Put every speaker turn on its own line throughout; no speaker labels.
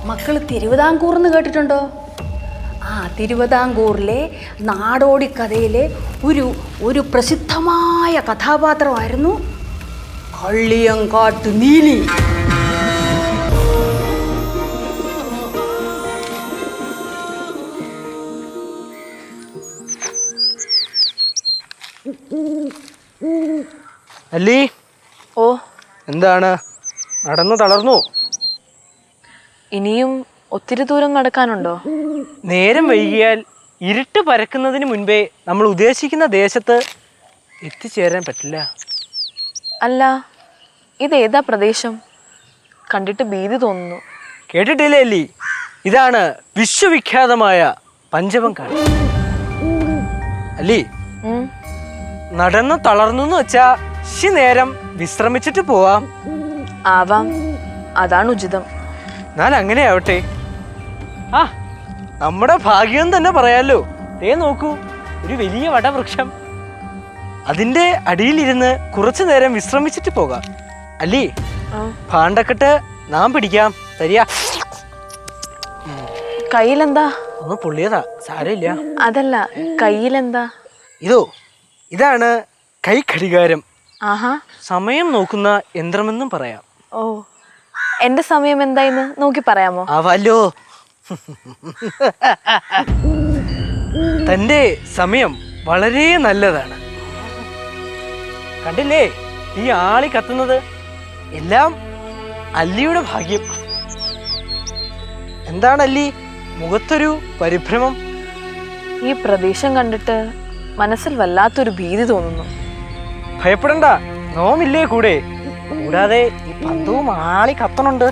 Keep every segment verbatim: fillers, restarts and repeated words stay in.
മക്കൾ തിരുവിതാംകൂർ എന്ന് കേട്ടിട്ടുണ്ടോ? ആ തിരുവിതാംകൂറിലെ നാടോടി കഥയിലെ ഒരു ഒരു പ്രസിദ്ധമായ കഥാപാത്രമായിരുന്നു കള്ളിയങ്കാട്ട് നീലി.
അല്ലി,
ഓ
എന്താണ് നടന്നു തളർന്നു?
ഇനിയും ഒത്തിരി ദൂരം നടക്കാനുണ്ടോ?
നേരം വൈകിയാൽ ഇരുട്ട് പരക്കുന്നതിന് മുൻപേ നമ്മൾ ഉദ്ദേശിക്കുന്ന ദേശത്ത് എത്തിച്ചേരാൻ പറ്റില്ല.
അല്ല, ഇതേതാ പ്രദേശം? കണ്ടിട്ട് ഭീതി തോന്നുന്നു.
കേട്ടിട്ടില്ലേ അല്ലി? ഇതാണ് വിശ്വവിഖ്യാതമായ പഞ്ചവങ്കാട്. അല്ലി, നടന്നു തളർന്നു എന്ന് വെച്ചാ ശി നേരം വിശ്രമിച്ചിട്ട് പോവാം.
ആവാം, അതാണ് ഉചിതം.
ഞാൻ അങ്ങനെ ആവട്ടെ. ആ നമ്മുടെ ഭാഗ്യം തന്നെ പറയാലോ. ദേ നോക്കൂ, ഒരു വലിയ വടവൃക്ഷം. അതിന്റെ അടിയിലിരുന്ന് കുറച്ചു നേരം വിശ്രമിച്ചിട്ട് പോകാം. അല്ലി, ഭാണ്ഡക്കെട്ട് നാം പിടിക്കാം. തരിക.
കയ്യിലെന്താ?
ഒന്ന് പൊള്ളിയതാ, സാരമില്ല.
അതല്ല, കയ്യിലെന്താ?
ഇതോ, ഇതാണ് കൈ ഘടികാരം.
ആഹാ,
സമയം നോക്കുന്ന യന്ത്രമെന്നും പറയാം.
ഓ, എന്റെ സമയം എന്തായിന്ന് നോക്കി പറയാമോ?
ആവാലോ. തന്റെ സമയം വളരെ നല്ലതാണ്. കണ്ടില്ലേ ഈ ആളി കത്തുന്നത്? എല്ലാം അല്ലിയുടെ ഭാഗ്യം. എന്താണ് അല്ലി, മുഖത്തൊരു പരിഭ്രമം?
ഈ പ്രദേശം കണ്ടിട്ട് മനസ്സിൽ വല്ലാത്തൊരു ഭീതി തോന്നുന്നു.
ഭയപ്പെടണ്ട, നോമില്ലേ കൂടെ. കൂടാതെ ഈ പന്തവും ആളി കത്തണുണ്ട്.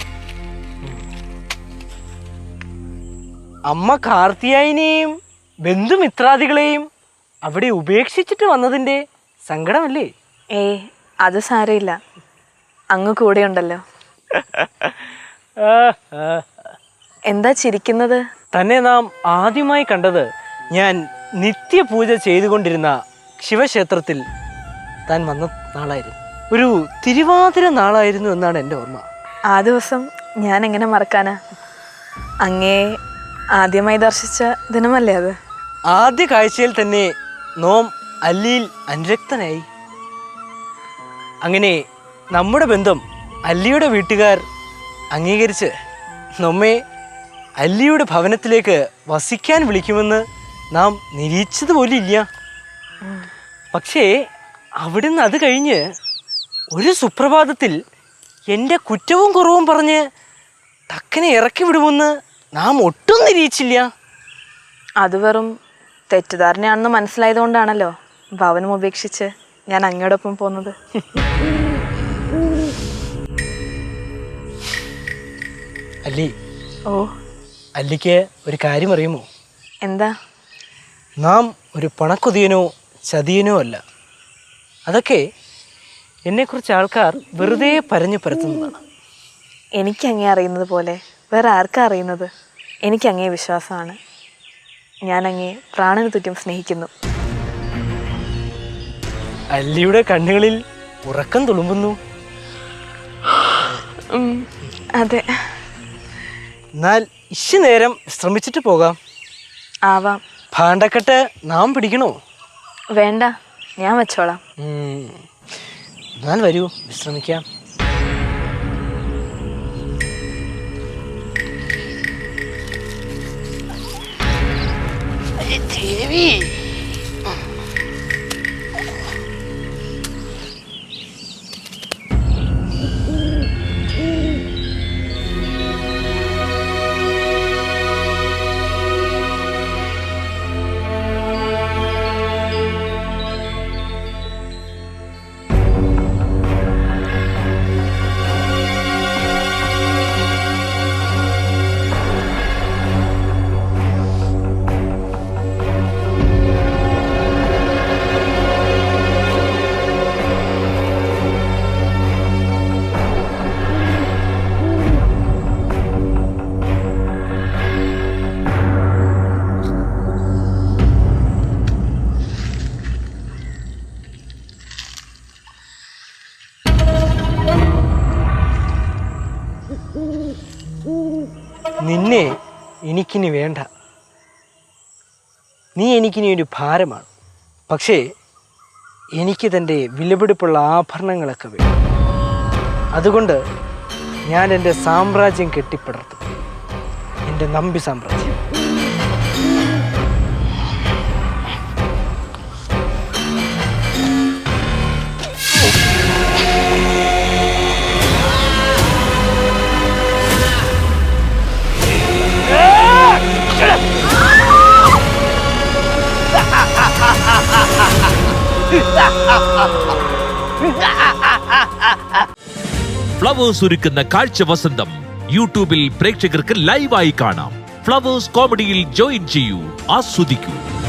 അമ്മ കാർത്തിയായിനെയും ബന്ധുമിത്രാദികളെയും അവിടെ ഉപേക്ഷിച്ചിട്ട് വന്നതിന്റെ സങ്കടമല്ലേ?
ഏ, അത് സാരമില്ല, അങ്ങ് കൂടെ ഉണ്ടല്ലോ. എന്താ ചിരിക്കുന്നത്?
തന്നെ നാം ആദ്യമായി കണ്ടത് ഞാൻ നിത്യപൂജ ചെയ്തുകൊണ്ടിരുന്ന ശിവക്ഷേത്രത്തിൽ താൻ വന്ന നാളായിരുന്നു. ഒരു തിരുവാതിര നാളായിരുന്നു എന്നാണ് എൻ്റെ ഓർമ്മ.
ആ ദിവസം ഞാൻ എങ്ങനെ മറക്കാനാ? അങ്ങേ ആദ്യമായി ദർശിച്ച ദിനമല്ലേ അത്?
ആദ്യ കാഴ്ചയിൽ തന്നെ നോം അല്ലിയിൽ അനുരക്തനായി. അങ്ങനെ നമ്മുടെ ബന്ധം അല്ലിയുടെ വീട്ടുകാർ അംഗീകരിച്ച് നമ്മെ അല്ലിയുടെ ഭവനത്തിലേക്ക് വസിക്കാൻ വിളിക്കുമെന്ന് നാം നിരീക്ഷിച്ചതുപോലും ഇല്ല. പക്ഷേ അവിടുന്ന് അത് കഴിഞ്ഞ് ഒരു സുപ്രഭാതത്തിൽ എൻ്റെ കുറ്റവും കുറവും പറഞ്ഞ് തക്കനെ ഇറക്കി വിടുമെന്ന് നാം ഒട്ടും നിരീക്ഷിച്ചില്ല.
അത് വെറും തെറ്റിദ്ധാരണയാണെന്ന് മനസ്സിലായതുകൊണ്ടാണല്ലോ ഭവനം ഉപേക്ഷിച്ച് ഞാൻ അങ്ങയോടൊപ്പം പോകുന്നത്.
അല്ലി,
ഓ,
അല്ലിക്ക് ഒരു കാര്യം അറിയുമോ?
എന്താ?
നാം ഒരു പണക്കൊതിയനോ ചതിയനോ അല്ല. അതൊക്കെ എന്നെക്കുറിച്ച് ആൾക്കാർ വെറുതെ പരഞ്ഞു പരത്തുന്നതാണ്.
എനിക്ക് അങ്ങേ അറിയുന്നത് പോലെ വേറെ ആർക്കാ അറിയുന്നത്? എനിക്ക് അങ്ങേ വിശ്വാസമാണ്. ഞാൻ അങ്ങേ പ്രാണന് തുറ്റും സ്നേഹിക്കുന്നു.
അല്ലിയുടെ കണ്ണുകളിൽ ഉറക്കം തുളുമ്പുന്നു.
അതെ.
എന്നാൽ ഇശി നേരം ശ്രമിച്ചിട്ട് പോകാം.
ആവാം.
ഭാണ്ഡക്കെട്ട് നാം പിടിക്കണോ?
വേണ്ട, ഞാൻ വെച്ചോളാം.
എന്നാൽ വരൂ, വിശ്രമിക്കാം. ദേവി, നിന്നെ എനിക്കിനി വേണ്ട. നീ എനിക്കിനി ഒരു ഭാരമാണ്. പക്ഷേ എനിക്ക് തൻ്റെ വിലപിടിപ്പുള്ള ആഭരണങ്ങളൊക്കെ വേണം. അതുകൊണ്ട് ഞാൻ എൻ്റെ സാമ്രാജ്യം കെട്ടിപ്പടർത്തും, എൻ്റെ നമ്പി സാമ്രാജ്യം.
ഫ്ലവേഴ്സ് ഒരുക്കുന്ന കാഴ്ച വസന്തം യൂട്യൂബിൽ പ്രേക്ഷകർക്ക് ലൈവായി കാണാം. ഫ്ലവേഴ്സ് കോമഡിയിൽ ജോയിൻ ചെയ്യൂ, ആസ്വദിക്കൂ.